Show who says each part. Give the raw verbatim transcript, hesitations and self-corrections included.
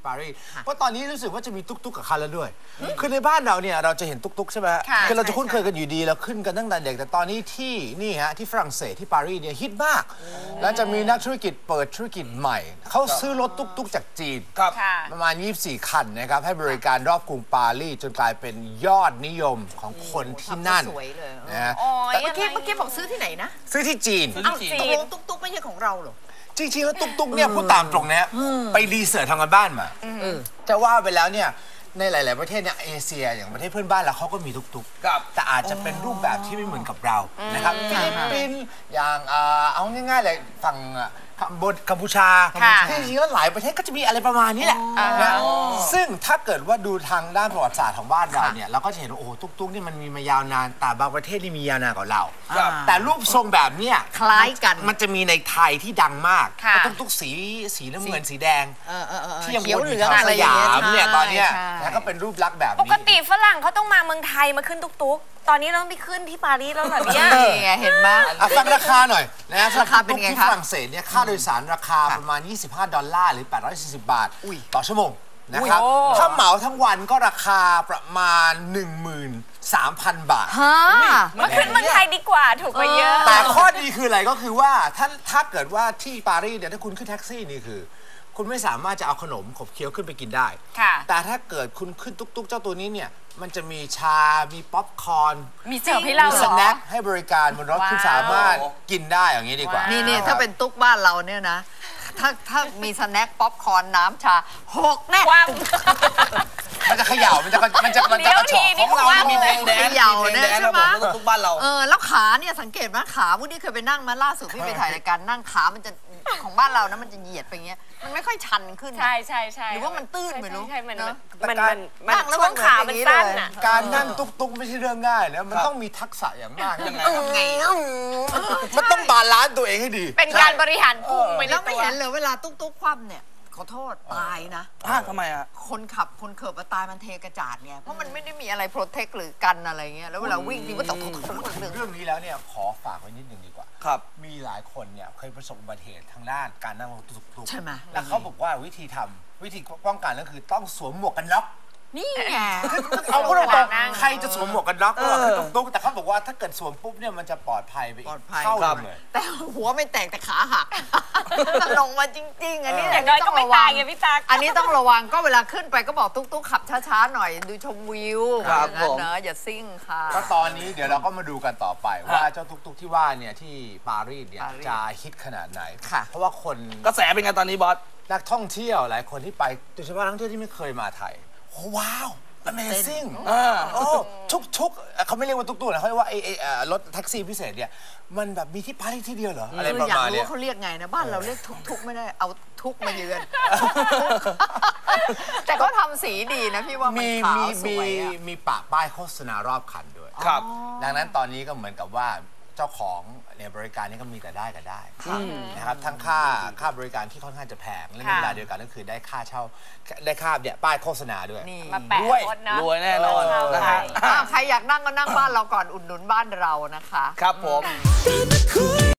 Speaker 1: ปารีสเพราะตอนนี้รู้สึกว่าจะมีตุ๊กๆกับคันแล้วด้วยคือในบ้านเราเนี่ยเราจะเห็นตุ๊กๆใช่ไหมคือเราจะคุ้นเคยกันอยู่ดีเราขึ้นกันตั้งแต่เด็กแต่ตอนนี้ที่นี่ฮะที่ฝรั่งเศสที่ปารีสเนี่ยฮิตมากแล้วจะมีนักธุรกิจเปิดธุรกิจใหม่เขาซื้อรถตุ๊กๆจากจีนประมาณยี่สิบสี่คันนะครับให้บริการรอบกรุงปารีสจนกลายเป็นยอดนิยมของคนที่นั่นนะ
Speaker 2: แต่เมื่อกี้เมื่อกี้บอกซื้อที่ไหนนะ
Speaker 1: ซื้อที่จีน
Speaker 2: อ้าวตกลงตุ๊กๆไม่ใช่ของเราหรอ
Speaker 1: จริงๆแล้วตุ๊กๆเนี่ยพูดตามตรงนะไปรีเสิร์ชทางการบ้านมาจะว่าไปแล้วเนี่ยในหลายๆประเทศเนี่ยเอเชียอย่างประเทศเพื่อนบ้านเราเขาก็มีตุ๊กๆแต่อาจจะเป็นรูปแบบที่ไม่เหมือนกับเรานะครับฟิลิปปินส์อย่างเอาง่ายๆเลยฝั่งกัมพูชาที่จริงๆแล้วหลายประเทศก็จะมีอะไรประมาณนี้แหละนะซึ่งถ้าเกิดว่าดูทางด้านประวัติศาสตร์ของบ้านเราเนี่ยเราก็จะเห็นว่าโอ้ตุ๊กๆนี่มันมีมายาวนานแต่บางประเทศนี่มียาวนานกว่าเราแต่รูปทรงแบบเนี้ย
Speaker 2: คล้ายกัน
Speaker 1: มันจะมีในไทยที่ดังมากตุ๊กๆสีสีน้ำเงินสีแดงที่ยังวนอยู่ทางสยามเนี่ยตอนเนี้ยแล้วก็เป็นรูปลักษณ์แบบนี้
Speaker 3: ปกติฝรั่งเขาต้องมาเมืองไทยมาขึ้นตุ๊กๆตอนนี้เราต้องไปขึ้นที่ปารีสแล้วเหรอเนี่ย
Speaker 2: เห็นไหม
Speaker 1: ฟังราคาหน่อยนะราคาเป็นไงครับที่ฝรั่งเศสเนี่ยค่าโดยสารราคาประมาณยี่สิบห้าดอลลาร์หรือแปดร้อยสี่สิบบาทต่อชั่วโมงนะครับถ้าเหมาทั้งวันก็ราคาประมาณ หนึ่งหมื่นสามพัน บาท
Speaker 3: มาขึ้นเมืองไทยดีกว่าถูกกว่าเยอะ
Speaker 1: แต่ข้อดีคืออะไรก็คือว่าถ้าถ้าเกิดว่าที่ปารีสเนี่ยถ้าคุณขึ้นแท็กซี่นี่คือคุณไม่สามารถจะเอาขนมขบเคี้ยวขึ้นไปกินได้แต่ถ้าเกิดคุณขึ้นตุ๊กๆเจ้าตัวนี้เนี่ยมันจะมีชา มีป๊อปคอร์น
Speaker 3: มีเสิร์ฟให้เรา
Speaker 1: มีสแน็คให้บริการบนรถคุณสามารถกินได้อย่างนี้ดีกว่า
Speaker 2: นี่นี่ถ้าเป็นตุ๊กบ้านเราเนี่ยนะถ้าถ้ามีสแน็คป๊อปคอร์นน้ำชาหกแน่
Speaker 1: มันจะเขย่ามันจะมันจะมันจะกระชอกของเรา
Speaker 2: มีแดงแดงเขย่าเนี่ยใช่ไหมตุ๊กบ้านเราเออแล้วขาเนี่ยสังเกตไหมขาวุ้นี่เคยไปนั่งมาล่าสุดพี่ไปถ่ายรายการนั่งขามันจะของบ้านเรานะมันจะเหยียดไปเงี้ยมันไม่ค่อยชันขึ้น
Speaker 3: ใช่ใช่ใช่
Speaker 2: หรือว่ามันตื้นไม่รู้
Speaker 3: ใช่มันมันมันช่วงขามันสั้นอ่ะ
Speaker 1: การนั่งตุ๊กตุ๊กไม่ใช่เรื่องง่ายนะมันต้องมีทักษะอย่างมากยังไงมันต้องบาลานซ์ตัวเองให้ดี
Speaker 3: เป็นการบริหารพุง
Speaker 2: ไปแล้วไม่เห็นเลยเวลาตุ๊กตุ๊กคว่ำเนี่ยขอโทษตายนะ
Speaker 4: ทำไมอ่ะ
Speaker 2: คนขับคนเขิบตายมันเทกระจาดเนี่ยเพราะมันไม่ได้มีอะไรโปรเทคหรือกันอะไรเงี้ยแล้วเวลาวิ่งทีก็ตก
Speaker 1: เรื่องนี้แล้วเนี่ยขอฝากไว้นิดนึงดีกว่า
Speaker 4: ครับ
Speaker 1: มีหลายคนเนี่ยเคยประสบอุบัติเหตุทางด้านการนั่งรถตุ๊ก
Speaker 2: ๆใช่ไหม
Speaker 1: แล้วเขาบอกว่าวิธีทำวิธีป้องกันก็คือต้องสวมหมวกกันน็อก
Speaker 2: นี่ไง
Speaker 1: เอาพูดตรงๆใครจะสวมหมวกกันน็อกก็คือตุ๊กๆแต่เขาบอกว่าถ้าเกิดสวมปุ๊บเนี่ยมันจะปลอดภัยไปอีกเข้าเลย
Speaker 2: แต่หัวไม่แตกแต่ขาหักลงมาจริงๆอันนี้
Speaker 3: แต่ก็ไม่ตายไงพี่ตา
Speaker 2: อันนี้ต้องระวังก็เวลาขึ้นไปก็บอกตุ๊กๆขับช้าๆหน่อยดูชมวิว
Speaker 4: ครับผม
Speaker 2: เนอะอย่าซิ่งค่ะ
Speaker 1: ก็ตอนนี้เดี๋ยวเราก็มาดูกันต่อไปว่าเจ้าตุ๊กๆที่ว่าเนี่ยที่ปารีสเนี่ยจะฮิตขนาดไหนเพราะว่าคน
Speaker 4: กระแสเป็นไงตอนนี้บอส
Speaker 1: นักท่องเที่ยวหลายคนที่ไปโดยเฉพาะนักท่องเที่ยวที่ไม่เคยมาไทยโอ้ว้าว Amazing โอ้ทุกทุกเขาไม่เรียกว่าตุ๊กๆนะเขาเรียกว่าไอ้รถแท็กซี่พิเศษเนี่ยมันแบบมีที่ปารีสที่เดียวเหรออะไรประมาณนี้
Speaker 2: อยากรู้ว่าเขาเรียกไงนะบ้านเราเรียกทุกๆไม่ได้เอาทุกมาเยือนแต่ก็ทำสีดีนะพี่ว่ามันขาวสวย
Speaker 1: มีปะป้ายโฆษณารอบคันด้วย
Speaker 4: ครับ
Speaker 1: ดังนั้นตอนนี้ก็เหมือนกับว่าเจ้าของเนี่ยบริการนี้ก็มีแต่ได้ก็ได้นะครับทั้งค่าค่าบริการที่ค่อนข้างจะแพงและในเวลาเดียวกันก็คือได้ค่าเช่าได้ค่าเนี่ยป้ายโฆษณาด้วย
Speaker 3: มาแปะรถนะ
Speaker 4: รวยแน่นอน
Speaker 2: นะฮะใครอยากนั่งก็นั่งบ้านเราก่อนอุดหนุนบ้านเรานะคะ
Speaker 4: ครับผม